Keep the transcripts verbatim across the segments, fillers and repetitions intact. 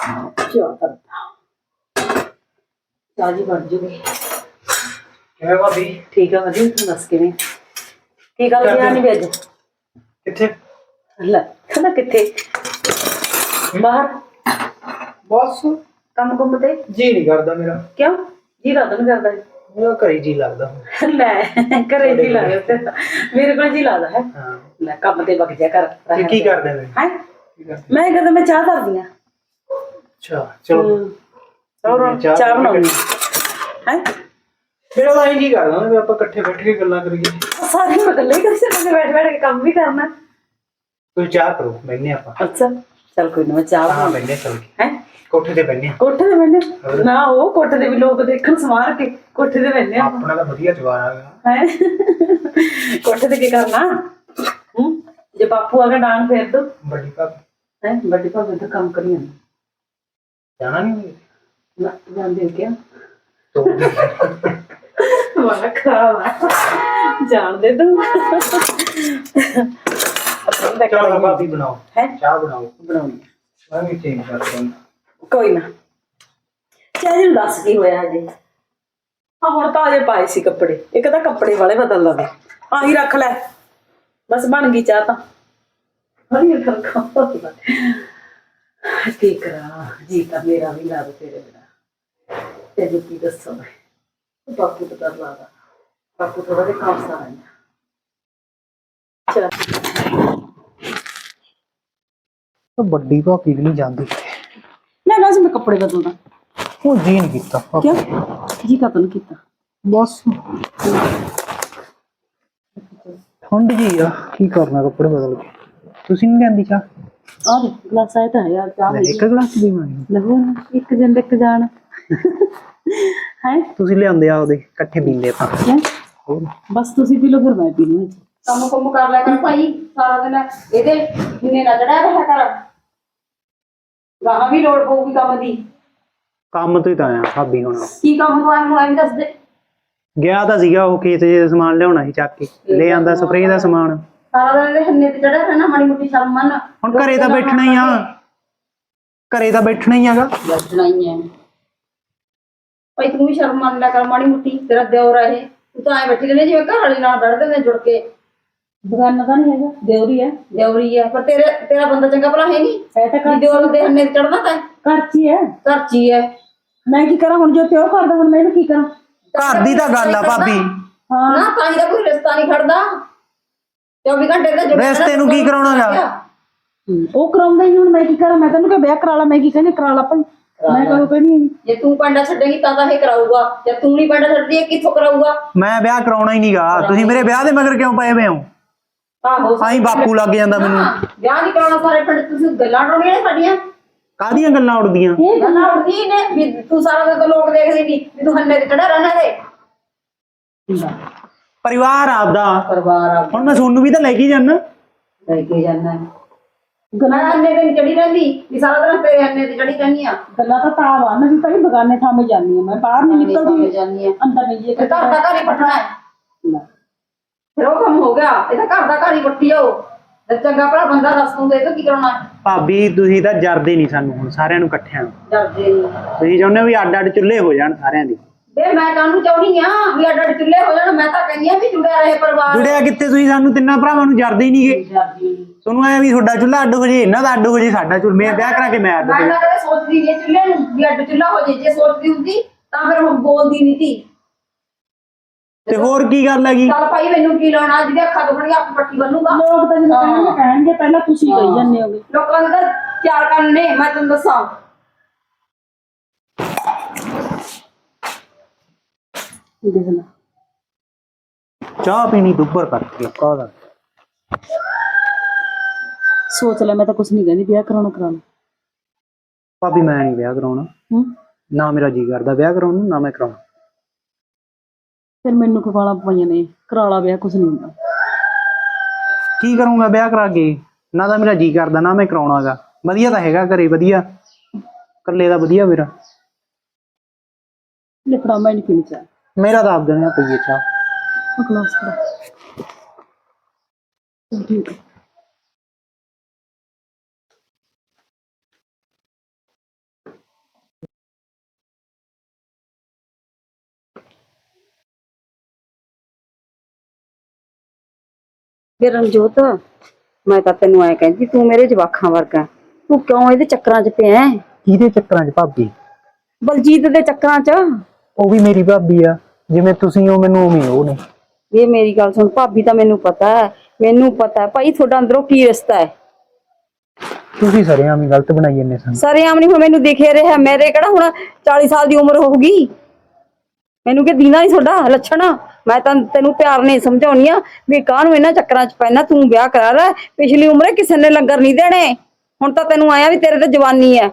ਚਾਹ ਕਰਦਾ ਚਾਹ ਜੀ ਬਣ ਜੂਗੀ। ਕਿਵੇਂ ਭਾਬੀ? ਠੀਕ ਆ ਵਧੀਆ। ਤੂੰ ਦੱਸ ਕਿਵੇਂ? ਕੀ ਗੱਲ ਗਿਆ ਨਹੀਂ ਅੱਜ? ਕਿੱਥੇ? ਲੈ ਕਹਿੰਦਾ ਕਿੱਥੇ? ਬਾਹਰ ਬਸ ਕੰਮ ਕੁੰਮ ਤੇ ਜੀ ਨਹੀਂ ਕਰਦਾ ਮੇਰਾ। ਕਿਉਂ ਜੀ ਰਾਤ ਨੂੰ ਕਰਦਾ? ਮੇਰਾ ਘਰੇ ਜੀ ਲੱਗਦਾ। ਲੈ ਘਰੇ ਜੀ ਲੱਗਦਾ ਮੇਰੇ ਕੋਲ ਜੀ ਲੱਗਦਾ ਹੈ। ਹਾਂ ਲੈ ਕੰਮ ਤੇ ਵਗ ਜਾ ਕਰ। ਤੇ ਕੀ ਕਰਦੇ ਨੇ? ਹੈ ਮੈਂ ਕਹਿੰਦਾ ਮੈਂ ਚਾਹ ਧਰਦੀ ਆ। ਅੱਛਾ ਚਲੋ ਹੋਰ ਚਾਹ ਬਣਾਉਣੀ ਹੈ। ਮੇਰਾ ਤਾਂ ਜੀ ਕਰਦਾ ਵੀ ਆਪਾਂ ਇਕੱਠੇ ਬੈਠ ਕੇ ਗੱਲਾਂ ਕਰੀਏ। ਸਾਰੀ ਗੱਲਾਂ ਹੀ ਕਰ ਸਕਦੇ, ਬੈਠ ਬੈਠ ਕੇ ਕੰਮ ਵੀ ਕਰਨਾ। ਤੁਸੀਂ ਚਾਹ ਕਰੋ, ਬੈਠਨੇ ਆਪਾਂ। ਅੱਛਾ ਚੱਲ ਕੋਈ ਨਾ, ਮੈਂ ਚਾਹ ਹਾਂ ਬੈਠਨੇ ਚੱਲ ਕੇ। ਹੈ ਕੋਠੇ ਤੇ ਬੈਠਨੇ। ਕੋਠੇ ਤੇ ਬੈਠਨੇ ਨਾ, ਉਹ ਕੋਠੇ ਤੇ ਵੀ ਲੋਕ ਦੇਖਣ ਸਮਾਰ ਕੇ ਕੋਠੇ ਤੇ ਬੈਠਨੇ। ਆਪਣਾ ਤਾਂ ਵਧੀਆ ਜਵਾਨ ਆ ਹੈ ਕੋਠੇ ਤੇ ਕੀ ਕਰਨਾ? ਹੂੰ ਜੇ ਬਾਪੂ ਆ ਕੇ ਡਾਂਗ ਫੇਰ ਦੋ। ਵੱਡੀ ਭਾਬੀ ਹੈ ਵੱਡੀ ਭਾਬੀ ਤਾਂ ਕੰਮ ਕਰੀ ਜਾਂਦੀ। ਜਾਣਾ ਨਹੀਂ ਨਾ ਜਾਂਦੇ ਕਿਆ ਤੋ ਵਾਹ ਖਰਾਬ ਜਾਣਦੇ ਤੂੰ। ਚਲੋ ਭਾਬੀ ਬਣਾਓ ਹੈ ਚਾਹ ਬਣਾਓ। ਬਣਾਉਣੀ ਮੈਂ ਵੀ ਚੇਂਜ ਕਰਦਾ। ਕੋਈ ਨਾ। ਚਾਹ ਜੀ ਦੱਸ ਕੀ ਹੋਇਆ ਅਜੇ? ਹਾਂ ਹੁਣ ਤਾਂ ਅਜੇ ਪਾਏ ਸੀ ਕੱਪੜੇ। ਇੱਕ ਤਾਂ ਕੱਪੜੇ ਵਾਲੇ ਬਦਲ ਲਵੇ, ਆਹੀ ਰੱਖ ਲੈ ਬਸ ਬਣ ਗਈ ਚਾਹ ਤਾਂ। ਹਰੀ ਖਰਖਾ ਕੀ ਕਰਾਂ, ਜੀ ਤਾਂ ਮੇਰਾ ਵੀ ਲਾ ਦੋ ਤੇਰੇ ਬਿਨਾ। ਤੇ ਕੀ ਦੱਸਾਂ ਮੈਂ, ਬਾਪੂ ਤਾਂ ਕਰ ਲਾਦਾ। ਬਾਪੂ ਥੋੜਾ ਜਿਹਾ ਕੰਮ ਸਾਰਾ ਹੈ। ਚਲ ਵੱਡੀ ਭਾਬੀ ਵੀ ਨਹੀਂ ਜਾਂਦੀ। ਮੈਂ ਬਸ ਮੈਂ ਕੱਪੜੇ ਬਦਲਦਾ। ਉਹ ਜੀ ਨਹੀਂ ਕੀਤਾ। ਕਿਉਂ ਜੀ ਕਦੋਂ ਕੀਤਾ? ਬਸ ਠੰਡ ਜੀ ਆ, ਕੀ ਕਰਨਾ ਕੱਪੜੇ ਬਦਲ ਕੇ। ਤੁਸੀਂ ਨਹੀਂ ਲੈਂਦੀ ਚਾਹ? ਆਹ ਦੇਖ ਗਲਾਸ ਆਇਆ ਤਾਂ ਹੈ ਯਾਰ ਚਾਹ ਇੱਕ ਗਲਾਸ ਵੀ ਮਾਰੀ ਲੱਗੋ ਇੱਕ ਜਣ ਇੱਕ ਜਾਣ ਹੈ। ਤੁਸੀਂ ਲਿਆਉਂਦੇ ਆ ਉਹਦੇ ਇਕੱਠੇ ਪੀਂਦੇ ਆਪਾਂ। ਹੋਰ ਬਸ ਤੁਸੀਂ ਪੀ ਲਓ ਫਿਰ ਮੈਂ ਪੀ ਲੂੰ। ਕੰਮ ਕੁੰਮ ਕਰ ਲਿਆ ਕਰ ਭਾਈ ਸਾਰਾ ਦਿਨ। ਇਹਦੇ ਜਿੰਨੇ ਨਾ ਚੜਿਆ ਰਿਹਾ ਕਰ, ਗਾਹਾਂ ਵੀ ਲੋੜ ਪਊਗੀ ਕੰਮ ਦੀ। ਕੰਮ ਤੋਂ ਹੀ ਤਾਂ ਆਇਆ ਭਾਬੀ ਹੁਣ। ਕੀ ਕੰਮ ਤੋਂ ਆਇਆ ਮੈਨੂੰ ਐਂ ਦੱਸ ਦੇ। ਗਿਆ ਤਾਂ ਸੀਗਾ ਉਹ ਖੇਤ ਚ ਸਮਾਨ ਲਿਆਉਣਾ ਸੀ, ਚੱਕ ਕੇ ਲੈ ਆਂਦਾ ਸਪਰੇਅ ਦਾ ਸਮਾਨ। ਸਾਰਾ ਦਿਨ ਇਹਦੇ ਹੰਨੇ ਤੇ ਚੜਿਆ ਰਹਿਣਾ, ਮਾੜੀ ਮੋਟੀ ਸ਼ਰਮ ਮੰਨ। ਹੁਣ ਘਰੇ ਤਾਂ ਬੈਠਣਾ ਹੀ ਆ, ਘਰੇ ਤਾਂ ਬੈਠਣਾ ਹੀ ਹੈਗਾ। ਬੈਠਣਾ ਹੀ ਹੈ ਭਾਈ, ਤੂੰ ਵੀ ਸ਼ਰਮ ਮੰਨ ਲਿਆ ਕਰ ਮਾੜੀ ਮੋਟੀ। ਤੇਰਾ ਦਿਓਰ ਆ ਇਹ, ਤੂੰ ਤਾਂ ਐਂ ਬੈਠੀ ਰਹਿੰਦੀ ਜਿਵੇਂ ਘਰ ਵਾਲੀ ਨਾਲ ਬੈਠਦੇ ਨੇ ਜੁੜ ਕੇ। ਬਗਾਨਾ ਤਾਂ ਨਹੀਂ ਹੈਗਾ, ਦਿਓਰੀ ਹੈ। ਦਿਓਰੀ ਹੈ ਪਰ ਤੇਰੇ ਤੇਰਾ ਬੰਦਾ ਚੰਗਾ ਭਲਾ ਹੈ ਨਹੀਂ। ਐ ਤਾਂ ਦਿਓਰ ਦੇ ਹੰਨੇ ਤੇ ਚੜਨਾ ਤਾਂ ਘਰ ਚ ਹੀ ਹੈ। ਘਰ ਚ ਹੀ ਹੈ। ਮੈਂ ਕੀ ਕਰਾਂ ਹੁਣ, ਜੋ ਪਿਓ ਕਰਦਾ ਹੁਣ ਮੈਂ ਇਹਨੂੰ ਕੀ ਕਰਾਂ? ਘਰ ਦੀ ਤਾਂ ਗੱਲ ਆ ਭਾਬੀ। ਹਾਂ ਨਾ ਤਾਂ ਹੀ ਤਾਂ ਕੋਈ ਰਿਸ਼ਤਾ ਨਹੀਂ ਖੜਦਾ। ਚੌਵੀ ਘੰਟੇ ਦਾ ਰਿਸ਼ਤੇ ਨੂੰ ਕੀ ਕਰਾਉਣਾਗਾ? ਉਹ ਕਰਾਉਂਦਾ ਹੀ। ਹੁਣ ਮੈਂ ਕੀ ਕਰਾਂ? ਮੈਂ ਤੈਨੂੰ ਕਿਹਾ ਵਿਆਹ ਕਰਾ ਲਾ, ਮੈਂ ਕੀ ਕਹਿੰਦੀ ਕਰਾ ਲਾ ਭਾਈ। ਮੈਂ ਕਹੂੰ ਕਹਿੰਦੀ ਜੇ ਤੂੰ ਪਾਂਡਾ ਛੱਡੇਗੀ ਤਾਂ ਤਾਂ ਇਹ ਕਰਾਊਗਾ, ਜੇ ਤੂੰ ਨਹੀਂ ਪਾਂਡਾ ਛੱਡਦੀ ਇਹ ਕਿੱਥੋਂ ਕਰਾਊਗਾ? ਮੈਂ ਵਿਆਹ ਕਰਾਉਣਾ ਹੀ ਨਹੀਂਗਾ। ਤੁਸੀਂ ਮੇਰੇ ਵਿਆਹ ਦੇ ਮਗਰ ਕਿਉਂ ਪਏ ਹੋਏ ਹੋ? ਆਹੋ ਆਹੀਂ ਬਾਪੂ ਲੱਗ ਜਾਂਦਾ ਮੈਨੂੰ। ਵਿਆਹ ਨਹੀਂ ਕਰਾਉਣਾ ਸਾਰੇ ਪਿੰਡ ਤੁਸੀਂ ਗੱਲਾਂ ਡੋਣੀਆਂ ਨੇ ਸਾਡੀਆਂ। ਕਾਹਦੀਆਂ ਗੱਲਾਂ ਉੜਦੀਆਂ? ਇਹ ਗੱਲਾਂ ਉੜਦੀਆਂ ਨੇ ਵੀ ਤੂੰ ਸਾਰਾ ਦਿਨ ਤਾਂ ਲੋਕ ਦੇਖਦੇ ਨਹੀਂ ਵੀ ਤੂੰ ਹੰਨੇ ਤੇ ਚੜਾ ਰਹਿਣਾ ਦੇ। ਪਰਿਵਾਰ ਆਪਦਾ ਪਰਿਵਾਰ ਆ ਹੁਣ ਮੈਂ ਤੁਹਾਨੂੰ ਵੀ ਤਾਂ ਲੈ ਕੇ ਜਾਣਾ। ਲੈ ਕੇ ਜਾਣਾ ਗੱਲਾਂ ਹੰਨੇ ਤੇ ਚੜੀ ਰਹਿੰਦੀ ਵੀ ਸਾਰਾ ਦਿਨ ਤੇਰੇ ਹੰਨੇ ਤੇ ਚੜੀ ਰਹਿੰਦੀ ਆ। ਗੱਲਾਂ ਤਾਂ ਤਾਂ ਵਾ ਨਾ ਵੀ ਭਾਈ ਬਗਾਨੇ ਥਾਵੇਂ ਜਾਂਦੀ ਆ, ਮੈਂ ਬਾਹਰ ਨਹੀਂ ਨਿਕਲਦੀ ਜਾਂਦੀ ਆ। ਅੰਦਰ ਨਹੀਂ ਜੇ ਘਰ ਦਾ ਘਰ ਹੀ ਪੱਟਣਾ ਹੈ। ਫਿਰ ਉਹ ਕੰਮ ਹੋ ਗਿਆ। ਇਹ ਤਾਂ ਘਰ ਦਾ ਘਰ ਹੀ ਪੱਟੀ ਹੋ। ਚੰਗਾ ਭਲਾ ਬੰਦਾ ਦੱਸ ਦੂੰਗਾ ਇਹ ਤਾਂ ਕੀ ਕਰਾਉਣਾ? ਭਾਬੀ ਤੁਸੀਂ ਤਾਂ ਜਰਦੇ ਨਹੀਂ ਸਾਨੂੰ ਹੁਣ ਸਾਰਿਆਂ ਨੂੰ ਇਕੱਠਿਆਂ ਨੂੰ। ਜਰਦੇ ਨਹੀਂ ਤੁਸੀਂ ਚਾਹੁੰਦੇ ਹੋ ਵੀ ਅੱਡ ਅੱਡ ਚੁੱਲ੍ਹੇ ਹੋ ਜਾਣ ਸਾਰਿਆਂ ਦੇ। ਵੇ ਮੈਂ ਕਾਹਨੂੰ ਚਾਹੁੰਦੀ ਆ ਵੀ ਅੱਡ ਅੱਡ ਚੁੱਲ੍ਹੇ ਹੋ ਜਾਣ? ਮੈਂ ਤਾਂ ਕਹਿੰਦੀ ਆ ਵੀ ਜੁੜਿਆ ਰਹੇ ਪਰਿਵਾਰ। ਜੁੜਿਆ ਕਿੱਥੇ? ਤੁਸੀਂ ਸਾਨੂੰ ਤਿੰਨਾਂ ਭਰਾਵਾਂ ਨੂੰ ਜਰਦੇ ਹੀ ਨਹੀਂਗੇ। ਤੁਹਾਨੂੰ ਐ ਵੀ ਤੁਹਾਡਾ ਚੁੱਲ੍ਹਾ ਅੱਡ ਹੋ ਜੇ, ਇਹਨਾਂ ਦਾ ਅੱਡ ਹੋ ਜੇ, ਸਾਡਾ ਚੁੱਲ੍ਹਾ। ਮੈਂ ਵਿਆਹ ਕਰਾ ਕੇ ਮੈਂ ਅੱਡ ਹੋ ਮੈਂ ਤਾਂ ਕਦੇ ਸੋਚਦੀ ਨਹੀਂ ਚੁੱਲ੍ਹੇ ਨੂੰ ਵੀ ਅੱਡ ਚੁੱਲ੍ਹਾ ਹੋ ਜੇ। ਜੇ ਸੋਚਦੀ ਹੁੰਦੀ ਤਾਂ ਫਿਰ ਹੁਣ ਬੋਲਦੀ ਨਹੀਂ ਤੀ। ਤੇ ਹੋਰ ਕੀ ਗੱਲ ਹੈਗੀ? ਚੱਲ ਭਾਈ ਮੈਨੂੰ ਕੀ ਲਾਉਣਾ? ਜਿਹਦੇ ਅੱਖਾਂ ਦੁਖਣੀਆਂ ਆਪ ਪੱਟੀ ਬੰਨੂਗਾ। ਲੋਕ ਤਾਂ ਜਦੋਂ ਕਹਿਣਗੇ ਪਹਿਲਾਂ ਤੁਸੀਂ ਕਹੀ ਜਾਂਦੇ ਹੋਗੇ। ਲੋਕਾਂ ਦੇ ਤਾਂ ਚਾਰ ਕੰਨ ਨੇ, ਮੈਂ ਤੁਹਾਨੂੰ ਦੱਸਾਂ। ਚਾਹ ਪੀਣੀ ਦੁੱਬਰ ਕਰਕੇ ਕਾਹਦਾ? ਸੋਚ ਲੈ, ਮੈਂ ਤਾਂ ਕੁਛ ਨਹੀਂ ਕਹਿੰਦੀ। ਵਿਆਹ ਕਰਾਉਣਾ ਕਰਾਉਣਾ ਭਾਬੀ ਮੈਂ ਨਹੀਂ ਵਿਆਹ ਕਰਾਉਣਾ। ਹੂੰ ਨਾ ਮੇਰਾ ਜੀ ਕਰਦਾ ਵਿਆਹ ਕਰਾਉਣ ਨੂੰ, ਨਾ ਮੈਂ ਕਰਾਉਣਾ। ਫਿਰ ਮੈਨੂੰ ਕਵਾਲਾ ਪਈਆਂ ਨੇ, ਕਰਾ ਲਾ ਵਿਆਹ, ਕੁਛ ਨਹੀਂ ਹੁੰਦਾ। ਕੀ ਕਰੂੰਗਾ ਵਿਆਹ ਕਰਾ ਕੇ? ਨਾ ਤਾਂ ਮੇਰਾ ਜੀ ਕਰਦਾ, ਨਾ ਮੈਂ ਕਰਾਉਣਾਗਾ। ਵਧੀਆ ਤਾਂ ਹੈਗਾ ਘਰੇ, ਵਧੀਆ ਇਕੱਲੇ ਦਾ ਵਧੀਆ ਮੇਰਾ। ਲਿਖਣਾ ਮੈਂ ਨਹੀਂ ਪੀਣੀ ਚਾਹ। ਮੇਰਾ ਤਾਂ ਆਪ ਦੇਣਾ ਪਈਏ ਚਾਹ। ਗਲਾਸ ਫੜਾ। ਠੀਕ ਹੈ। ਵੇ ਰਣਜੋਤ, ਮੈਂ ਤਾਂ ਤੈਨੂੰ ਐ ਕਹਿੰਦੀ ਤੂੰ ਮੇਰੇ ਜਵਾਖਾਂ ਵਰਗਾ, ਤੂੰ ਕਿਉਂ ਇਹਦੇ ਚੱਕਰਾਂ 'ਚ ਪਿਆ ਹੈਂ? ਕਿਹਦੇ ਚੱਕਰਾਂ 'ਚ ਭਾਬੀ? ਬਲਜੀਤ ਦੇ ਚੱਕਰਾਂ 'ਚ। ਉਹ ਵੀ ਮੇਰੀ ਭਾਬੀ ਆ, ਜਿਵੇਂ ਤੁਸੀਂ ਹੋ ਮੈਨੂੰ ਉਵੇਂ ਉਹ ਨੇ। ਇਹ ਮੇਰੀ ਗੱਲ ਸੁਣ, ਭਾਬੀ ਤਾਂ ਮੈਨੂੰ ਪਤਾ ਹੈ, ਮੈਨੂੰ ਪਤਾ ਹੈ ਭਾਈ ਤੁਹਾਡਾ ਅੰਦਰੋਂ ਕੀ ਰਿਸ਼ਤਾ ਹੈ। ਤੁਸੀਂ ਸਰੇਆਮ ਹੀ ਗਲਤ ਬਣਾਈ ਜਾਂਦੇ ਸਨ। ਸਰੇਆਮ ਨਹੀਂ, ਹੁਣ ਮੈਨੂੰ ਦਿਖੇ ਰਿਹਾ, ਮੇਰੇ ਕਿਹੜਾ ਹੁਣ ਚਾਲੀ ਸਾਲ ਦੀ ਉਮਰ ਹੋਊਗੀ, ਮੈਨੂੰ ਕੀ ਦੀਨਾ ਨਹੀਂ ਤੁਹਾਡਾ ਲੱਛਣ। ਮੈਂ ਤਾਂ ਤੈਨੂੰ ਪਿਆਰ ਨਹੀਂ ਸਮਝਾਉਣੀ ਆ ਵੀ ਕਾਹਨੂੰ ਇਹਨਾਂ ਚੱਕਰਾਂ 'ਚ ਪੈਣਾ, ਤੂੰ ਵਿਆਹ ਕਰਾ ਲੈ। ਪਿਛਲੀ ਉਮਰੇ ਕਿਸੇ ਨੇ ਲੰਗਰ ਨਹੀਂ ਦੇਣੇ, ਹੁਣ ਤਾਂ ਤੈਨੂੰ ਆਇਆ ਵੀ ਤੇਰੇ ਤੇ ਜਵਾਨੀ ਹੈ।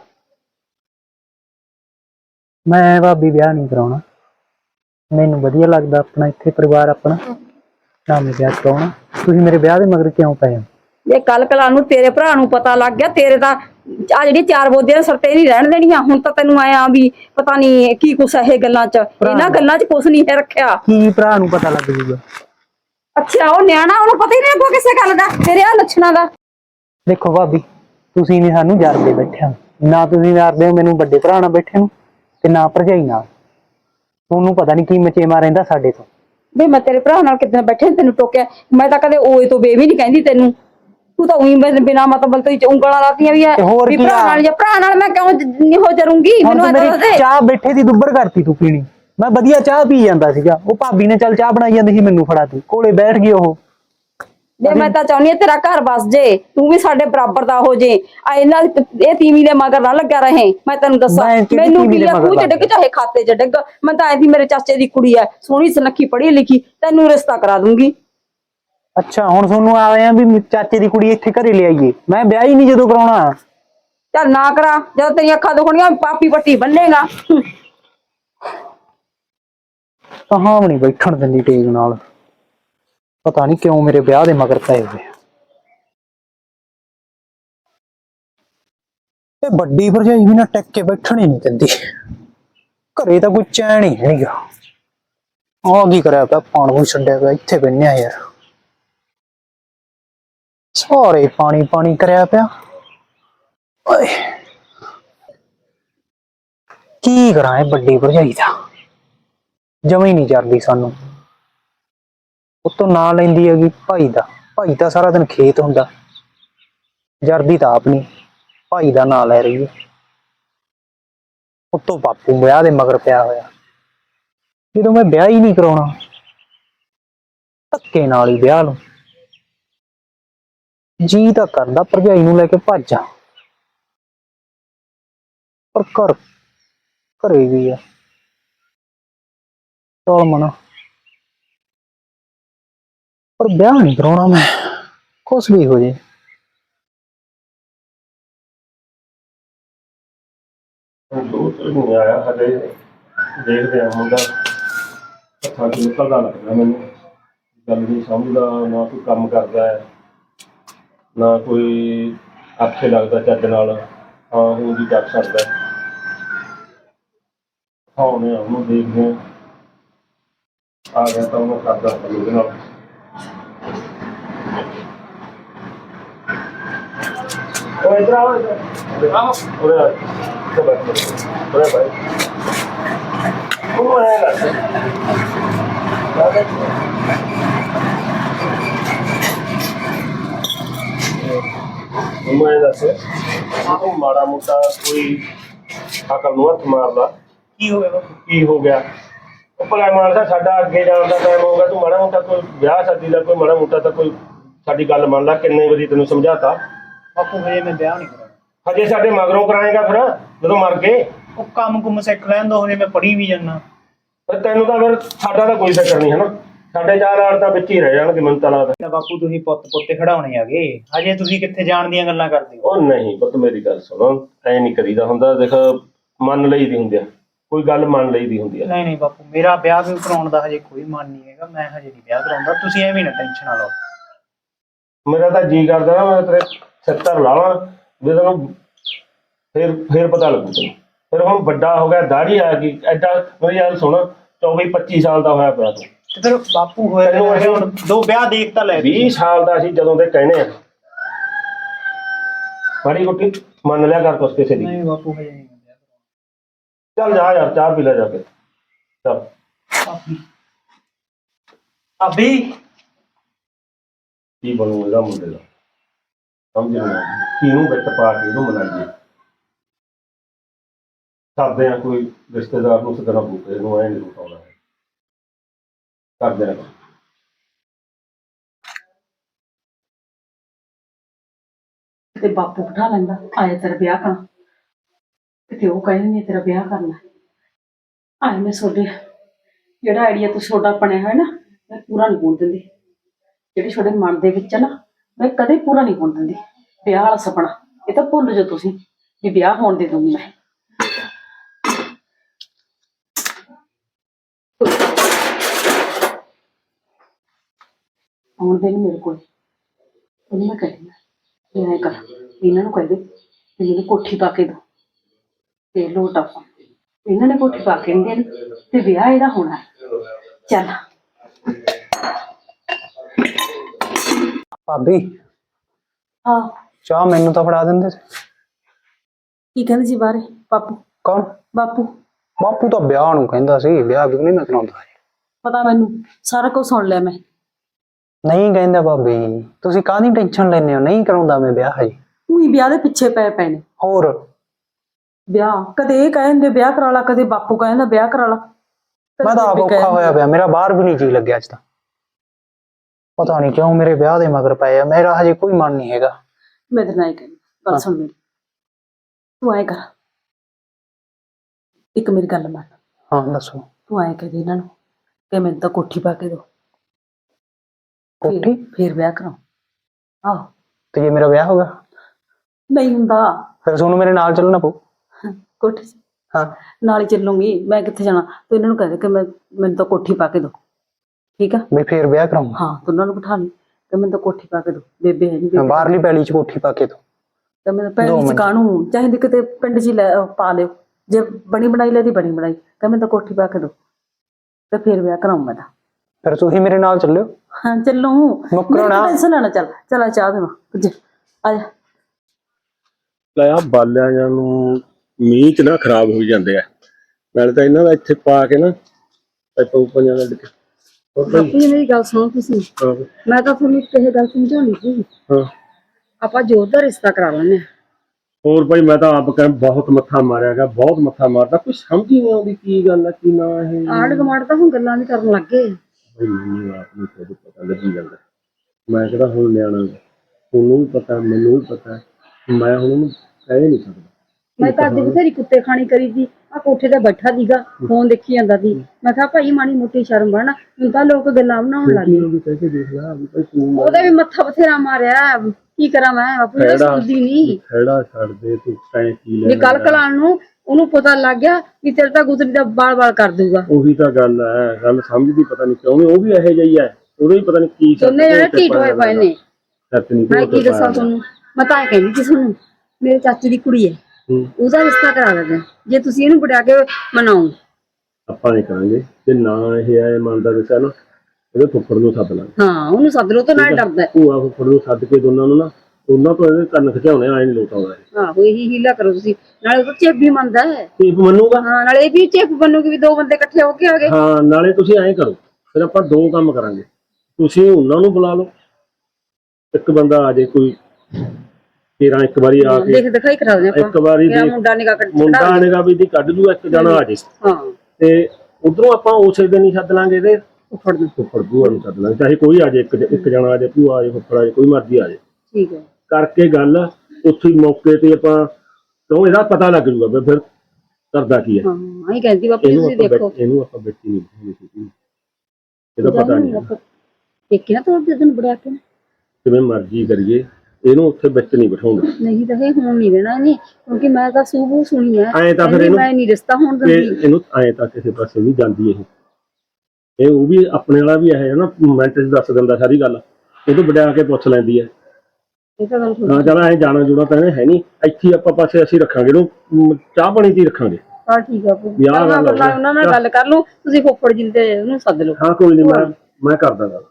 ਮੈਂ ਭਾਬੀ ਵਿਆਹ ਨਹੀਂ ਕਰਾਉਣਾ, ਮੈਨੂੰ ਵਧੀਆ ਲੱਗਦਾ ਆਪਣਾ ਇੱਥੇ ਪਰਿਵਾਰ ਆਪਣਾ, ਨਾ ਮੈਂ ਵਿਆਹ ਕਰਾਉਣਾ। ਤੁਸੀਂ ਮੇਰੇ ਵਿਆਹ ਦੇ ਮਗਰ ਕਿਉਂ ਪਏ ਹੋ? ਇਹ ਕੱਲ ਕਲਾ ਨੂੰ ਤੇਰੇ ਭਰਾ ਨੂੰ ਪਤਾ ਲੱਗ ਗਿਆ, ਤੇਰੇ ਤਾਂ ਆ ਜਿਹੜੀ ਚਾਰ ਬੋਦੀਆਂ ਸਰਤੇ ਨਹੀਂ ਰਹਿਣ ਦੇਣੀਆਂ। ਹੁਣ ਤਾਂ ਤੈਨੂੰ ਆਇਆ ਵੀ ਪਤਾ ਨਹੀਂ ਕੀ ਕੁਛ ਹੈ ਇਹ ਗੱਲਾਂ 'ਚ, ਇਹਨਾਂ ਗੱਲਾਂ 'ਚ ਕੁਛ ਨਹੀਂ ਹੈ ਰੱਖਿਆ। ਕੀ ਭਰਾ ਨੂੰ ਪਤਾ ਲੱਗ ਜੂਗਾ? ਅੱਛਾ ਉਹ ਨਿਆਣਾ, ਉਹਨੂੰ ਪਤਾ ਹੀ ਨਹੀਂ ਲੱਗੋ ਕਿਸੇ ਗੱਲ ਦਾ, ਤੇਰੇ ਆ ਲੱਛਣਾਂ ਦਾ। ਦੇਖੋ ਭਾਬੀ, ਤੁਸੀਂ ਨਹੀਂ ਸਾਨੂੰ ਜਰਦੇ ਬੈਠੇ ਹੋ, ਨਾ ਤੁਸੀਂ ਜਰਦੇ ਹੋ ਮੈਨੂੰ ਵੱਡੇ ਭਰਾ ਨਾਲ ਬੈਠੇ ਨੂੰ, ਤੇ ਨਾ ਭਰਜਾਈ ਨਾਲ। ਤੁਹਾਨੂੰ ਪਤਾ ਨਹੀਂ ਕੀ ਮਚੇਮਾ ਰਹਿੰਦਾ ਸਾਡੇ ਤੋਂ। ਵੀ ਮੈਂ ਤੇਰੇ ਭਰਾ ਨਾਲ ਕਿੱਦਾਂ ਬੈਠੇ ਤੈਨੂੰ ਟੋਕਿਆ? ਮੈਂ ਤਾਂ ਕਦੇ ਓਏ ਤੋਂ ਬੇ ਵੀ ਨਹੀਂ ਕਹਿੰਦੀ ਤੈਨੂੰ, ਤੂੰ ਤਾਂ ਉਹੀ ਬਿਨਾ ਮਤਲਬ ਤੋਂ ਹੀ ਉਂਗਲਾਂ ਲਾਤੀਆਂ ਵੀ ਹੈ ਹੋਰ ਵੀ ਕੀ ਭਰਾ ਆ? ਨਾਲ, ਜਾਂ ਭਰਾ ਨਾਲ ਮੈਂ ਕਿਉਂ ਨਹੀਂ ਹੋ ਜਰੂੰਗੀ? ਹੁਣ ਮੈਨੂੰ ਤੂੰ ਐਂ ਦੱਸ ਮੇਰੀ ਦੇ। ਚਾਹ ਬੈਠੇ ਦੀ ਦੁੱਬਰ ਕਰਤੀ ਤੂੰ ਪੀਣੀ। ਮੈਂ ਵਧੀਆ ਚਾਹ ਪੀ ਜਾਂਦਾ ਸੀਗਾ, ਉਹ ਭਾਬੀ ਨੇ ਚੱਲ ਚਾਹ ਬਣਾਈ ਜਾਂਦੀ ਸੀ, ਮੈਨੂੰ ਫੜਾਤੀ, ਕੋਲੇ ਬੈਠ ਗਈ ਉਹ। ਜੇ ਮੈਂ ਤਾਂ ਚਾਹੁੰਦੀ ਆ ਤੇਰਾ ਘਰ ਬਸ ਜੇ, ਤੂੰ ਵੀ ਸਾਡੇ ਬਰਾਬਰ ਦਾ ਹੋ ਜੇ। ਆ ਇਹਨਾਂ ਇਹ ਤੀਵੀਂ ਦੇ ਮਗਰ ਨਾ ਲੱਗਿਆ ਰਹੇ। ਮੈਂ ਤੈਨੂੰ ਦੱਸਾਂ, ਮੈਂ ਕਿਹੜੀ ਮੈਨੂੰ ਤੀਵੀਂ ਕੀ ਦੇ ਆ, ਮਗਰ ਤੂੰ ਲੱਗ ਡਿੱਗ ਚਾਹੇ ਖਾਤੇ 'ਚ ਡਿੱਗ। ਮੈਂ ਤਾਂ ਐਂ ਮੇਰੇ ਚਾਚੇ ਦੀ ਕੁੜੀ ਐ, ਸੋਹਣੀ ਸੁਨੱਖੀ ਪੜ੍ਹੀ ਲਿਖੀ, ਤੈਨੂੰ ਰਿਸ਼ਤਾ ਕਰਾ ਦੂੰਗੀ। ਅੱਛਾ, ਹੁਣ ਤੁਹਾਨੂੰ ਆਏ ਆ ਵੀ ਚਾਚੇ ਦੀ ਕੁੜੀ ਇੱਥੇ ਘਰੇ ਲਿਆਈਏ। ਮੈਂ ਵਿਆਹ ਹੀ ਨਹੀਂ ਜਦੋਂ ਕਰਾਉਣਾ। ਚੱਲ ਨਾ ਕਰਾ, ਜਦੋਂ ਤੇਰੀਆਂ ਅੱਖਾਂ ਦੁਖਣੀਆਂ ਪਾਪੀ ਪੱਟੀ ਬੰਨੇਗਾ। ਕਹਾਂ ਵੀ ਨਹੀਂ ਬੈਠਣ ਦਿੰਦੀ ਟੇਕ ਨਾਲ, ਪਤਾ ਨਹੀਂ ਕਿਉਂ ਮੇਰੇ ਵਿਆਹ ਦੇ ਮਗਰ ਪਏ ਹੋਏ। ਤੇ ਵੱਡੀ ਭਰਜਾਈ ਵੀ ਨਾ ਟਿਕ ਕੇ ਬੈਠਣ ਹੀ ਨਹੀਂ ਦਿੰਦੀ, ਘਰੇ ਤਾਂ ਕੋਈ ਚੈਨ ਹੀ ਨਹੀਂਗਾ। ਆ ਕੀ ਕਰਿਆ ਪਿਆ, ਪਾਣੀ ਛੱਡਿਆ ਪਿਆ, ਇੱਥੇ ਬੈਠਿਆ ਯਾਰ, ਸਾਰੇ ਪਾਣੀ ਪਾਣੀ ਕਰਿਆ ਪਿਆ। ਓਏ ਕੀ ਕਰਾਂ ਇਹ ਵੱਡੀ ਭਰਜਾਈ ਦਾ, ਜਮੀ ਨਹੀਂ ਚੜਦੀ ਸਾਨੂੰ। ਉਤੋਂ ਨਾਂ ਲੈਂਦੀ ਹੈਗੀ ਭਾਈ ਦਾ, ਭਾਈ ਤਾਂ ਸਾਰਾ ਦਿਨ ਖੇਤ ਹੁੰਦਾ, ਜਰਦੀ ਤਾਂ ਆਪ ਨਹੀਂ, ਭਾਈ ਦਾ ਨਾਂ ਲੈ ਰਹੀ ਹੈ। ਉਤੋਂ ਬਾਪੂ ਵਿਆਹ ਦੇ ਮਗਰ ਪਿਆ ਹੋਇਆ, ਜਦੋਂ ਮੈਂ ਵਿਆਹ ਹੀ ਨਹੀਂ ਕਰਾਉਣਾ, ਧੱਕੇ ਨਾਲ ਹੀ ਵਿਆਹ ਲਊ। ਜੀ ਤਾਂ ਕਰਦਾ ਭਰਜਾਈ ਨੂੰ ਲੈ ਕੇ ਭੱਜਾਂ, ਪਰ ਘਰ ਘਰੇ ਵੀ ਆ, ਚਲ ਮਨਾ, ਪਰ ਵਿਆਹ ਨਹੀਂ ਕਰਾਉਣਾ ਮੈਂ, ਕੁਛ ਵੀ ਹੋ ਜੇ। ਦੋ ਨਹੀਂ ਆਇਆ ਹਜੇ, ਦੇਖਦੇ ਆ ਮੁੰਡਾ ਹੱਥਾਂ 'ਚ ਨਿਕਲਦਾ ਲੱਗਦਾ ਮੈਨੂੰ, ਗੱਲ ਨਹੀਂ ਸਮਝਦਾ, ਨਾ ਕੋਈ ਕੰਮ ਕਰਦਾ ਹੈ, ਨਾ ਕੋਈ ਆਖੇ ਲੱਗਦਾ ਚੱਜ ਨਾਲ, ਹਾਂ ਉਹ ਵੀ ਕਰ ਸਕਦਾ। ਆਉਂਦੇ ਆ ਉਹਨੂੰ ਦੇਖਦੇ ਆ, ਆ ਗਿਆ ਤਾਂ ਉਹਨੂੰ ਕਰਦਾ ਉਹਦੇ ਨਾਲ। ਉਹ ਇੱਧਰ ਆਓ, ਇੱਧਰ ਆਓ, ਉਰੇ ਆ, ਇੱਥੇ ਬੈਠੋ, ਉਰੇ ਭਾਈ, ਉਹਨੂੰ ਆਇਆ ਲੱਗਦਾ ਉਹਨੂੰ ਇਹ ਦੱਸ, ਤੂੰ ਮਾੜਾ ਮੋਟਾ ਕੋਈ ਅਕਲ ਨੂੰ ਹੱਥ ਮਾਰਦਾ। ਕੀ ਹੋ ਗਿਆ? ਕੀ ਹੋ ਗਿਆ? ਉਹ ਭਲਾ ਮਾਨਸਾ ਸਾਡਾ ਅੱਗੇ ਜਾਣ ਦਾ ਟਾਈਮ ਹੋਊਗਾ, ਤੂੰ ਮਾੜਾ ਮੋਟਾ ਕੋਈ ਵਿਆਹ ਸ਼ਾਦੀ ਦਾ ਕੋਈ ਮਾੜਾ ਮੋਟਾ ਤਾਂ ਕੋਈ ਸਾਡੀ ਗੱਲ ਮੰਨ ਲਾ। ਕਿੰਨੇ ਵਾਰੀ ਤੈਨੂੰ ਸਮਝਾਤਾ। ਬਾਪੂ ਹਜੇ ਮੈਂ ਵਿਆਹ ਨਹੀਂ ਕਰਾਉਣਾ। ਹਜੇ ਸਾਡੇ ਮਗਰੋਂ ਕਰਾਏਗਾ ਫਿਰ ਜਦੋਂ ਮਰ ਗਏ? ਉਹ ਕੰਮ ਕੁਮ ਸਿੱਖ ਲੈਣ ਦੋ, ਹਜੇ ਮੈਂ ਪੜ੍ਹੀ ਵੀ ਜਾਨਾ। ਪਰ ਤੈਨੂੰ ਤਾਂ ਫਿਰ ਸਾਡਾ ਤਾਂ ਕੋਈ ਫਿਕਰ ਨਹੀਂ ਹੈ ਨਾ, ਸਾਡੇ ਚਾਰ ਆੜ ਤਾਂ ਵਿੱਚ ਹੀ ਰਹਿ ਜਾਣਗੇ ਮੈਨੂੰ ਤਾਂ ਲੱਗਦਾ। ਬਾਪੂ ਤੁਸੀਂ ਪੁੱਤ ਪੁੱਤੇ ਖੜਾਉਣੇ ਆਗੇ, ਹਜੇ ਤੁਸੀਂ ਕਿੱਥੇ ਜਾਣ ਦੀਆਂ ਗੱਲਾਂ ਕਰਦੇ ਹੋ? ਉਹ ਨਹੀਂ ਪੁੱਤ, ਮੇਰੀ ਗੱਲ ਸੁਣੋ, ਐ ਨਹੀਂ ਕਰੀਦਾ ਹੁੰਦਾ। ਦੇਖ, ਮੰਨ ਲਈ ਦੀ ਹੁੰਦੀ ਆ, ਕੋਈ ਗੱਲ ਮੰਨ ਲਈ ਦੀ ਹੁੰਦੀ ਆ। ਨਹੀਂ ਨਹੀਂ ਬਾਪੂ, ਮੇਰਾ ਵਿਆਹ ਵੀ ਕਰਾਉਣ ਦਾ ਹਜੇ ਕੋਈ ਮਨ ਨਹੀਂ ਹੈਗਾ, ਮੈਂ ਹਜੇ ਨਹੀਂ ਵਿਆਹ ਕਰਾਉਂਦਾ, ਤੁਸੀਂ ਐਵੇਂ ਨਾ ਟੈਨਸ਼ਨ ਨਾ ਲਓ। ਮੇਰਾ ਤਾਂ ਜੀ ਕਰਦਾ ਨਾ ਮੈਂ ਤੇਰੇ ਛੱਤਰ ਲਾਵਾਂ ਵੀ ਤੈਨੂੰ ਫਿਰ ਫਿਰ ਪਤਾ ਲੱਗੂ ਤੈਨੂੰ। ਫਿਰ ਹੁਣ ਵੱਡਾ ਹੋ ਗਿਆ, ਦਾੜੀ ਆ ਗਈ, ਐਡਾ। ਮੇਰੀ ਗੱਲ ਸੁਣ, ਚੌਵੀ ਪੱਚੀ ਸਾਲ ਦਾ ਹੋਇਆ ਪਿਆ ਤੂੰ, ਤੇ ਫਿਰ ਬਾਪੂ ਹੋਇਆ ਤੈਨੂੰ ਅਸੀਂ ਹੁਣ ਦੋ ਵਿਆਹ ਦੇਖ ਤਾਂ ਲੈ। ਵੀਹ ਸਾਲ ਦਾ ਅਸੀਂ ਜਦੋਂ ਦੇ ਕਹਿੰਦੇ ਆ, ਮਾੜੀ ਗੁੱਟੀ ਮੰਨ ਲਿਆ ਕਰ ਕੁਛ ਕਿਸੇ ਦੀ। ਨਹੀਂ ਬਾਪੂ ਹਜੇ ਨਹੀਂ ਵਿਆਹ ਚੱਲ ਜਾ ਯਾਰ, ਚਾਹ ਪੀ ਲੈ ਜਾ ਕੇ, ਚੱਲ। ਕਰਾਉਣਾ। ਭਾਬੀ ਕੀ ਬਣੂ ਇਹਦਾ ਮੁੰਡੇ ਦਾ ਸਮਝ ਨਹੀਂ ਆਉਂਦੀ ਕਿਹਨੂੰ ਵਿੱਚ ਪਾ ਕੇ ਇਹਨੂੰ ਮਨਾਈਏ। ਕਰਦੇ ਆ ਕੋਈ ਰਿਸ਼ਤੇਦਾਰ ਨੂੰ ਸੱਦਣਾ ਪਊਗਾ ਇਹਨੂੰ ਐਂ ਨਹੀਂ ਉਠਾਉਣਾ ਕਰਦੇ ਆ। ਤੇ ਬਾਪੂ ਬਿਠਾ ਲੈਂਦਾ ਆਏ ਤੇਰਾ ਵਿਆਹ ਕਰਾਂ ਤੇ ਉਹ ਕਹਿੰਦੇ ਨੇ ਤੇਰਾ ਵਿਆਹ ਕਰਨਾ ਆਏ ਮੈਂ ਤੁਹਾਡੇ ਜਿਹੜਾ ਆਈਡੀਆ ਤੂੰ ਛੋਟਾ ਬਣਿਆ ਹੋਇਆ ਨਾ ਮੈਂ ਪੂਰਾ ਨਹੀਂ ਹੋਣ ਦਿੰਦੀ। ਜਿਹੜੇ ਤੁਹਾਡੇ ਮਨ ਦੇ ਵਿੱਚ ਆ ਨਾ ਮੈਂ ਕਦੇ ਪੂਰਾ ਨਹੀਂ ਹੋਣ ਦਿੰਦੀ। ਵਿਆਹ ਵਾਲਾ ਸੁਪਨਾ ਇਹ ਤਾਂ ਭੁੱਲ ਜਾਓ ਤੁਸੀਂ ਵੀ ਵਿਆਹ ਹੋਣ ਦੇ ਦੂੰਗੀ ਮੈਂ। ਆਉਣ ਦੇ ਨੀ ਮੇਰੇ ਕੋਲ ਉਹਨੂੰ ਮੈਂ ਕਹਿੰਦੀ ਮੈਂ ਐਂ ਕਰ ਇਹਨਾਂ ਨੂੰ ਕਹਿ ਦੇ ਵੀ ਮੈਨੂੰ ਕੋਠੀ ਪਾ ਕੇ ਦੋ ਤੇ ਲੋਟ ਆਪਾਂ ਇਹਨਾਂ ਨੇ ਕੋਠੀ ਪਾ ਕੇ ਦਿੰਦੇ ਨੇ ਤੇ ਵਿਆਹ ਇਹਦਾ ਹੋਣਾ ਹੈ। ਚੱਲ ਭਾਬੀ ਹਾਂ ਚਾਹ ਮੈਨੂੰ ਤਾਂ ਫੜਾ ਦਿੰਦੇ ਸੀ। ਕੀ ਕਹਿੰਦੇ ਸੀ ਬਾਰੇ ਬਾਪੂ ਕੌਣ? ਬਾਪੂ ਬਾਪੂ ਤਾਂ ਵਿਆਹ ਨੂੰ ਕਹਿੰਦਾ ਸੀ, ਵਿਆਹ ਵੀ ਨਹੀਂ ਮੈਂ ਕਰਾਉਂਦਾ। ਪਤਾ ਮੈਨੂੰ ਸਾਰਾ ਕੁਝ ਸੁਣ ਲਿਆ ਮੈਂ। ਨਹੀਂ ਕਹਿੰਦਾ ਭਾਬੀ, ਤੁਸੀਂ ਕਾਹਦੀ ਟੈਨਸ਼ਨ ਲੈਂਦੇ ਹੋ? ਨਹੀਂ ਕਰਾਉਂਦਾ ਮੈਂ ਵਿਆਹ ਹਜੇ। ਉਹੀ ਵਿਆਹ ਦੇ ਪਿੱਛੇ ਪਏ ਪਏ ਨੇ। ਹੋਰ ਵਿਆਹ ਕਦੇ ਇਹ ਕਹਿੰਦੇ ਵਿਆਹ ਕਰਾ ਲਾ, ਕਦੇ ਬਾਪੂ ਕਹਿੰਦਾ ਵਿਆਹ ਕਰਾ ਲਾ। ਮੈਂ ਤਾਂ ਆਪ ਔਖਾ ਹੋਇਆ ਪਿਆ, ਮੇਰਾ ਬਾਹਰ ਵੀ ਨਹੀਂ ਜੀ ਲੱਗਿਆ ਅੱਜ ਤਾਂ। ਪਤਾ ਨਹੀਂ ਕਿਉਂ ਮੇਰੇ ਵਿਆਹ ਦੇ ਮਗਰ ਪਏ ਆ, ਮੇਰਾ ਹਜੇ ਕੋਈ ਮਨ ਨਹੀਂ ਹੈਗਾ। ਮੈਂ ਤਾਂ ਨਹੀਂ ਕਹਿੰਦੀ ਗੱਲ ਸੁਣ ਮੇਰੀ, ਤੂੰ ਆਏ ਕਰ ਇੱਕ ਮੇਰੀ ਗੱਲ ਮੰਨ। ਹਾਂ ਦੱਸੋ। ਤੂੰ ਆਏ ਕਹਦੇ ਇਹਨਾਂ ਨੂੰ ਕਿ ਮੈਨੂੰ ਤਾਂ ਕੋਠੀ ਪਾ ਕੇ ਦੋ। ਕੋਠੀ? ਫਿਰ ਵਿਆਹ ਕਰਾਓ। ਆਹੋ ਤੇ ਜੇ ਮੇਰਾ ਵਿਆਹ ਹੋ ਗਿਆ ਨਹੀਂ ਹੁੰਦਾ ਫਿਰ ਤੁਹਾਨੂੰ ਮੇਰੇ ਨਾਲ ਚੱਲਣਾ ਪਊ। ਕੋਠੀ ਚ ਹਾਂ ਨਾਲ ਹੀ ਚੱਲੂਗੀ ਮੈਂ, ਕਿੱਥੇ ਜਾਣਾ। ਤੂੰ ਇਹਨਾਂ ਨੂੰ ਕਹਿ ਦੇ ਕਿ ਮੈਂ ਮੈਨੂੰ ਤਾਂ ਕੋਠੀ ਪਾ ਕੇ ਦੋ। ਠੀਕ ਆ ਮੈਂ ਫੇਰ ਵਿਆਹ ਕਰਾਉਂਗਾ। ਹਾਂ ਤੂੰ ਉਹਨਾਂ ਨੂੰ ਬਿਠਾ ਲਈ ਤੇ ਮੈਨੂੰ ਤਾਂ ਕੋਠੀ ਪਾ ਕੇ ਦੋ। ਬੇਬੇ ਹੈ ਨਹੀਂ ਮੈਂ ਬਾਹਰਲੀ ਪੈਲੀ ਚ ਕੋਠੀ ਪਾ ਕੇ ਦੋ ਤੇ ਮੈਂ ਪੈਲੀ ਚ ਕਾਹਨੂੰ ਚਾਹੀਦੀ ਕਿਤੇ ਪਿੰਡ ਚ ਹੀ ਲੈ ਪਾ ਲਿਓ। ਜੇ ਬਣੀ ਬਣਾਈ ਲੈਦੀ ਬਣੀ ਬਣਾਈ ਤੇ ਮੈਨੂੰ ਤਾਂ ਕੋਠੀ ਪਾ ਕੇ ਦੋ ਤੇ ਫਿਰ ਵਿਆਹ ਕਰਾਉਂ ਮੈਂ ਤਾਂ। ਫਿਰ ਤੁਸੀਂ ਮੇਰੇ ਨਾਲ ਚੱਲਿਓ। ਹਾਂ ਚੱਲੂ ਮੁੱਕਰਨਾ ਟੈਨਸ਼ਨ ਲੈਣਾ। ਚੱਲ ਚੱਲ ਚਾਹ ਦੇਵਾਂ ਪੁੱਜੇ ਆ ਜਾ। ਲੈ ਆ ਬਾਲਿਆਂ ਜਾਂ ਨੂੰ ਮੀਂਹ ਚ ਨਾ ਖਰਾਬ ਹੋ ਜਾਂਦੇ ਆ। ਨਾਲੇ ਤਾਂ ਇਹਨਾਂ ਦਾ ਇੱਥੇ ਪਾ ਕੇ ਨਾ ਪਾਈਪਾਂ ਪੰਜਾਂ ਦਾ ਡਿੱਕ। ਬਾਪੂ ਜੀ ਮੇਰੀ ਗੱਲ ਸੁਣੋ ਤੁਸੀਂ। ਮੈਂ ਤਾਂ ਤੁਹਾਨੂੰ ਇੱਕ ਇਹ ਗੱਲ ਸਮਝਾਉਣੀ ਸੀ। ਹਾਂ ਆਪਾਂ ਜੋਤ ਦਾ ਰਿਸ਼ਤਾ ਕਰਾ ਲੈਣੇ। ਹੋਰ ਭਾਈ ਮੈਂ ਤਾਂ ਆਪ ਕਹਿ ਬਹੁਤ ਮੱਥਾ ਮਾਰਿਆ ਗਿਆ, ਬਹੁਤ ਮੱਥਾ ਮਾਰਦਾ, ਕੋਈ ਸਮਝ ਹੀ ਨਹੀਂ ਆਉਂਦੀ ਕੀ ਗੱਲ ਆ ਕੀ ਨਾ। ਇਹ ਆੜ ਗਮਾੜ ਤਾਂ ਹੁਣ ਗੱਲਾਂ ਵੀ ਕਰਨ ਲੱਗ ਗਏ। ਭਾਈ ਮੈਨੂੰ ਆਪ ਨੂੰ ਖੁਦ ਪਤਾ ਲੱਗੀ ਜਾਂਦਾ। ਮੈਂ ਕਿਹੜਾ ਹੁਣ ਨਿਆਣਾ, ਉਹਨੂੰ ਵੀ ਪਤਾ ਮੈਨੂੰ ਵੀ ਪਤਾ, ਮੈਂ ਹੁਣ ਉਹਨੂੰ ਕਹਿ ਨਹੀਂ ਸਕਦਾ। ਮੈਂ ਤਾਂ ਅੱਜ ਬਥੇਰੀ ਕੁੱਤੇ ਖਾਣੀ ਕਰੀ ਸੀ। ਆ ਕੋਠੇ ਤੇ ਬੈਠਾ ਸੀਗਾ ਫੋਨ ਦੇਖੀ ਜਾਂਦਾ ਸੀ। ਮੈਂ ਕਿਹਾ ਭਾਈ ਮਾੜੀ ਮੋਟੀ ਸ਼ਰਮ ਬਣ। ਹੁਣ ਤਾਂ ਲੋਕ ਗੱਲਾਂ ਬਣਾਉਣ ਲੱਗ ਗਏ। ਵੀ ਕਹਿ ਕੇ ਦੇਖ ਲਾ ਵੀ ਭਾਈ ਤੂੰ ਉਹਦਾ ਵੀ ਮੱਥਾ ਬਥੇਰਾ ਮਾਰਿਆ, ਕੀ ਕਰਾਂ ਮੈਂ। ਬਾਪੂ ਜੀ ਸੁਣਦੀ ਨਹੀਂ। ਖੜਾ ਛੱਡ ਦੇ ਤੂੰ, ਤੈਂ ਕੀ ਵੀ ਲੈਣਾ। ਕੱਲ ਕਲਾਂ ਨੂੰ ਉਹਨੂੰ ਪਤਾ ਲੱਗ ਗਿਆ ਵੀ ਤੇਰੇ ਤਾਂ ਗੁੱਤਰੀ ਦਾ ਬਾਲ ਬਾਲ ਕਰ ਦੂਗਾ। ਉਹੀ ਤਾਂ ਗੱਲ ਹੈ, ਗੱਲ ਸਮਝਦੀ ਪਤਾ ਨਹੀਂ ਕਿਉਂ ਨਹੀਂ। ਉਹ ਵੀ ਇਹੋ ਜਿਹੀ ਹੈ, ਉਹਦੇ ਵੀ ਪਤਾ ਨਹੀਂ ਕੀ ਦੋਨੇ ਜਣੇ ਢੀਠ ਹੋਏ ਪਏ ਨੇ। ਸੱਤ ਨਹੀਂ ਮੈਂ ਕੀ ਦੱਸਾਂ ਤੁਹਾਨੂੰ। ਮੈਂ ਤਾਂ ਇਹ ਕਹਿੰਦੀ ਸੀ ਤੁਹਾਨੂੰ, ਮੇਰੇ ਚਾਚੇ ਦੀ ਕੁੜੀ ਹੈ, ਉਹਦਾ ਰਿਸ਼ਤਾ ਕਰਾ ਲੈਣਾ ਜੇ ਤੁਸੀਂ ਇਹਨੂੰ ਬਿਠਾ ਕੇ ਮਨਾਓ। ਆਪਾਂ ਨਹੀਂ ਕਰਾਂਗੇ ਤੇ ਨਾ ਇਹ ਹੈ ਮੰਨਦਾ ਦੱਸਿਆ ਨਾ, ਇਹਦੇ ਫੁੱਫੜ ਨੂੰ ਸੱਦ ਲਾਂਗੇ। ਹਾਂ ਉਹਨੂੰ ਸੱਦ ਲਓ, ਤਾਂ ਨਾਲ ਡਰਦਾ। ਭੂਆ ਫੁੱਫੜ ਨੂੰ ਸੱਦ ਕੇ ਦੋਨਾਂ ਨੂੰ ਨਾ, ਉਹਨਾਂ ਤੋਂ ਇਹਦੇ ਕੰਨ ਖਿਚਾਉਣੇ ਆਏ ਨਹੀਂ ਲੋਟ ਆਉਂਦਾ। ਆਹੋ ਇਹੀ ਹੀਲਾ ਕਰੋ ਤੁਸੀਂ। ਨਾਲੇ ਉਹ ਚੇਪ ਵੀ ਮੰਨਦਾ ਹੈ। ਚੇਪ ਮੰਨੂਗਾ। ਹਾਂ ਨਾਲੇ ਇਹ ਵੀ ਚੇਪ ਬਣੂਗੀ ਵੀ ਦੋ ਬੰਦੇ ਇਕੱਠੇ ਹੋ ਕੇ ਆ ਗਏ। ਹਾਂ ਨਾਲੇ ਤੁਸੀਂ ਐਂ ਕਰੋ, ਫਿਰ ਆਪਾਂ ਦੋ ਕੰਮ ਕਰਾਂਗੇ। ਤੁਸੀਂ ਉਹਨਾਂ ਨੂੰ ਬੁਲਾ ਲਓ, ਇੱਕ ਬੰਦਾ ਆ ਜੇ ਕੋਈ ਤੇਰਾ, ਇੱਕ ਵਾਰੀ ਆ ਕੇ ਦੇਖ ਦਿਖਾਈ ਕਰਾ ਦੇ ਆਪਾਂ। ਇੱਕ ਵਾਰੀ ਮੇਰਾ ਮੁੰਡਾ ਨਿਕਾ ਕੱਢ ਮੁੰਡਾ ਆਣੇਗਾ ਵੀ ਦੀ ਕੱਢ ਜੂਗਾ, ਇੱਕ ਜਣਾ ਆ ਜੇ। ਹਾਂ ਤੇ ਉਧਰੋਂ ਆਪਾਂ ਉਸੇ ਦਿਨ ਹੀ ਸੱਦ ਲਾਂਗੇ ਇਹਦੇ ਫੁੱਫੜ ਨੂੰ, ਫੁੱਫੜ ਭੂਆ ਨੂੰ ਸੱਦ ਲਾਂਗੇ। ਚਾਹੇ ਕੋਈ ਆ ਜੇ, ਇੱਕ ਇੱਕ ਜਣਾ ਆ ਜੇ, ਭੂਆ ਆ ਜੇ, ਫੁੱਫੜ ਆ ਜੇ, ਕੋਈ ਮਰਜ਼ੀ ਆ ਜੇ। ਠੀਕ ਹੈ ਕਰਕੇ ਗੱਲ ਉੱਥੇ ਮੌਕੇ ਤੇ ਆਪਾਂ ਕਿਉਂ ਇਹਦਾ ਪਤਾ ਲੱਗ ਜੂਗਾ ਵੀ ਫਿਰ ਕਰਦਾ ਕੀ ਹੈ। ਹਾਂ ਆਈ ਕਹਿੰਦੀ ਬਾਪੂ ਇਹਨੂੰ ਤੁਸੀਂ ਆਪਾਂ ਦੇਖੋ। ਬੈਠ- ਇਹਨੂੰ ਆਪਾਂ ਬੈਠੀ ਨਹੀਂ ਬਿਠਾਉਣੀ, ਇਹਦਾ ਪਤਾ ਨਹੀਂ। ਦੇਖੀ ਨਾ ਤੋੜ ਦੇ ਦਿਨ ਬੜਿਆ ਕੇ। ਕਿਵੇਂ ਮਰਜ਼ੀ ਕਰੀਏ, ਇਹਨੂੰ ਉੱਥੇ ਵਿੱਚ ਨਹੀਂ ਬਿਠਾਉਂਦਾ। ਨਹੀਂ ਤਾਂ ਇਹ ਹੁਣ ਨਹੀਂ ਦੇਣਾ ਇਹਨੇ, ਕਿਉਂਕਿ ਮੈਂ ਤਾਂ ਸੂਬੂ ਸੁਣੀ ਹੈ। ਐਂ ਤਾਂ ਫਿਰ ਇਹਨੂੰ ਮੈਂ ਨਹੀਂ ਰਿਸ਼ਤਾ ਹੋਣ ਤੇ ਦਿੰਦੀ। ਇਹਨੂੰ ਐਂ ਤਾਂ ਕਿਸੇ ਪਾਸੇ ਨਹੀਂ ਜਾਂਦੀ ਇਹ। ਇਹ ਉਹ ਵੀ ਆਪਣੇ ਵਾਲਾ ਵੀ ਇਹ ਹੈ ਨਾ, ਮਿੰਟ 'ਚ ਦੱਸ ਦਿੰਦਾ ਸਾਰੀ ਗੱਲ। ਇਹਨੂੰ ਵਡਿਆ ਕੇ ਪੁੱਛ ਲੈਂਦੀ ਹੈ। ਇਹ ਤਾਂ ਗੱਲ ਹਾਂ ਚੱਲ ਐਂ ਜਾਣਾ ਜੁਣਾ ਤਾਂ ਇਹਨੇ ਹੈ ਨਹੀਂ। ਇੱਥੇ ਆਪਾਂ ਪਾਸੇ ਅਸੀਂ ਰੱਖਾਂਗੇ ਇਹਨੂੰ, ਚਾਹ ਪਾਣੀ ਦੀ ਰੱਖਾਂਗੇ। ਹਾਂ ਠੀਕ ਆ ਬਾਪੂ। ਵਿਆਹ ਚੱਲ ਮੈਂ ਗੱਲ ਉਹਨਾਂ ਉਹਨਾਂ ਨਾਲ ਗੱਲ ਕਰ ਲੂੰ, ਤੁਸੀਂ ਫੁੱਫੜ ਜੀ ਦੇ ਉਹਨੂੰ ਸੱਦ ਲਓ। ਹਾਂ ਕੋਈ ਨਹੀਂ, ਮੈਂ ਮੈਂ ਕਰਦਾ ਗੱਲ।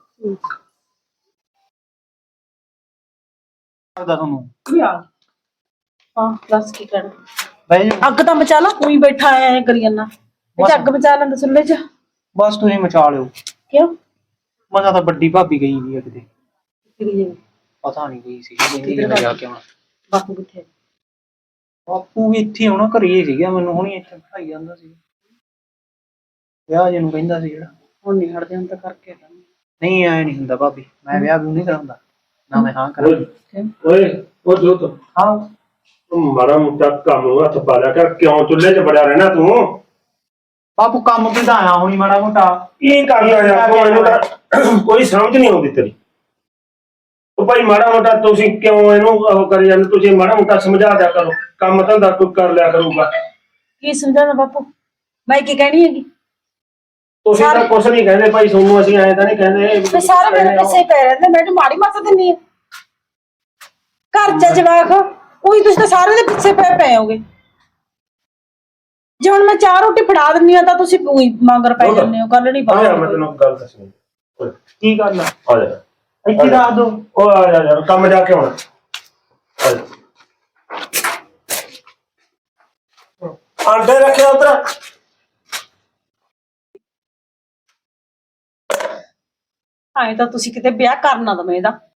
ਤੁਹਾਨੂੰ ਹਾਂ ਦੱਸ ਕੀ ਕਰਨਾ। ਬਈ ਅੱਗ ਤਾਂ ਮਚਾ ਲਾ, ਤੂੰ ਹੀ ਬੈਠਾ ਐ ਕਰੀ ਜਾਂਦਾ। ਇਹ ਅੱਗ ਮਚਾ ਲੈਂਦਾ ਚੁੱਲ੍ਹੇ 'ਚ। ਬਸ ਤੁਸੀਂ ਮਚਾ ਲਿਓ। ਕਿਉਂ ਮਜ਼ਾ ਤਾਂ ਵੱਡੀ ਭਾਬੀ ਗਈ ਵੀ ਆ ਕਿਤੇ। ਕਿਹੜੀ ਜਗ੍ਹਾ? ਪਤਾ ਨਹੀਂ ਗਈ ਸੀ ਕਹਿੰਦੀ ਮੈਂ ਜਾ ਕੇ ਆਉਣਾ। ਬਾਪੂ ਕਿੱਥੇ? ਬਾਪੂ ਵੀ ਇੱਥੇ ਆਉਣਾ, ਘਰੇ ਹੀ ਸੀਗਾ, ਮੈਨੂੰ ਹੁਣੀ ਇੱਥੇ ਬਿਠਾਈ ਜਾਂਦਾ ਸੀ। ਵਿਆਹ ਜਿਹਨੂੰ ਕਹਿੰਦਾ ਸੀ ਜਿਹੜਾ। ਹੁਣ ਨਹੀਂ ਹਟਦੇ, ਹੁਣ ਤਾਂ ਕਰਕੇ ਹਟਾਂਗੇ। ਨਹੀਂ ਐ ਨਹੀਂ ਹੁੰਦਾ ਭਾਬੀ, ਮੈਂ ਵਿਆਹ ਵੀ ਨਹੀਂ ਕਰਾਉਂਦਾ ਨਾ, ਮੈਂ ਹਾਂ ਕਰਾਂ। ਓਏ ਉਹ ਜੋਤ, ਹਾਂ ਤੂੰ ਮਾੜਾ ਮੋਟਾ ਕੰਮ ਨੂੰ ਹੱਥ ਪਾ ਲਿਆ ਕਰ, ਕਿਉਂ ਚੁੱਲ੍ਹੇ 'ਚ ਬੜਿਆ ਰਹਿਣਾ ਤੂੰ? ਬਾਪੂ ਕੰਮ ਤੇ ਤਾਂ ਆਇਆ ਹੁਣੀ ਮਾੜਾ ਮੋਟਾ। ਕੀ ਕਰਨਾ ਯਾਰ ਤੂੰ, ਇਹਨੂੰ ਤਾਂ ਕੋਈ ਸਮਝ ਨਹੀਂ ਆਉਂਦੀ ਤੇਰੀ। ਉਹ ਭਾਈ ਮਾੜਾ ਮੋਟਾ ਤੁਸੀਂ ਕਿਉਂ ਇਹਨੂੰ ਉਹ ਕਰੀ ਜਾਂਦੇ? ਤੁਸੀਂ ਮਾੜਾ ਮੋਟਾ ਸਮਝਾ ਦਿਆ ਕਰੋ, ਕੰਮ ਧੰਦਾ ਕੋਈ ਕਰ ਲਿਆ ਕਰੂਗਾ। ਕੀ ਸਮਝਾਣਾ ਬਾਪੂ, ਮੈਂ ਕੀ ਕਹਿਣੀ ਹੈਗੀ? ਤੁਸੀਂ ਤਾਂ ਕੁਛ ਨਹੀਂ ਕਹਿੰਦੇ ਭਾਈ, ਤੁਹਾਨੂੰ ਅਸੀਂ ਐਂ ਤਾਂ ਨਹੀਂ ਕਹਿੰਦੇ। ਤੇ ਸਾਰੇ ਮੇਰੇ ਪਿੱਛੇ ਪੈ ਰਹਿੰਦੇ, ਮੈਨੂੰ ਮਾੜੀ ਮੱਤ ਦਿੰਨੀ ਆ। ਘਰ ਚ ਜਵਾਕ ਉਹੀ, ਤੁਸੀਂ ਤਾਂ ਸਾਰੇ ਦੇ ਪਿੱਛੇ ਪੈ ਪਏ ਹੋਗੇ। ਜੇ ਹੁਣ ਮੈਂ ਚਾਰ ਰੋਟੀ ਫੜਾ ਦਿੰਨੀ ਆ ਤਾਂ ਤੁਸੀਂ ਉਹੀ ਮਗਰ ਪੈ ਜਾਂਦੇ ਹੋ। ਗੱਲ ਨਹੀਂ ਆ ਜਾ, ਬਾਤ। ਮੈਂ ਤੈਨੂੰ ਗੱਲ ਦੱਸਣੀ। ਓਏ, ਕੀ ਗੱਲ ਆ? ਆ ਜਾ ਇੱਥੇ ਦੱਸ ਦੋ। ਉਹ ਆ ਜਾ ਯਾਰ, ਕੰਮ ਜਾ ਕੇ ਆਉਣਾ। ਆ ਜਾ। ਆਂਡੇ ਰੱਖਿਆ ਉਧਰ। ਐਂ ਤਾਂ ਤੁਸੀਂ ਕਿਤੇ ਵਿਆਹ ਕਰਨਾ ਦਵੇਂ ਇਹਦਾ।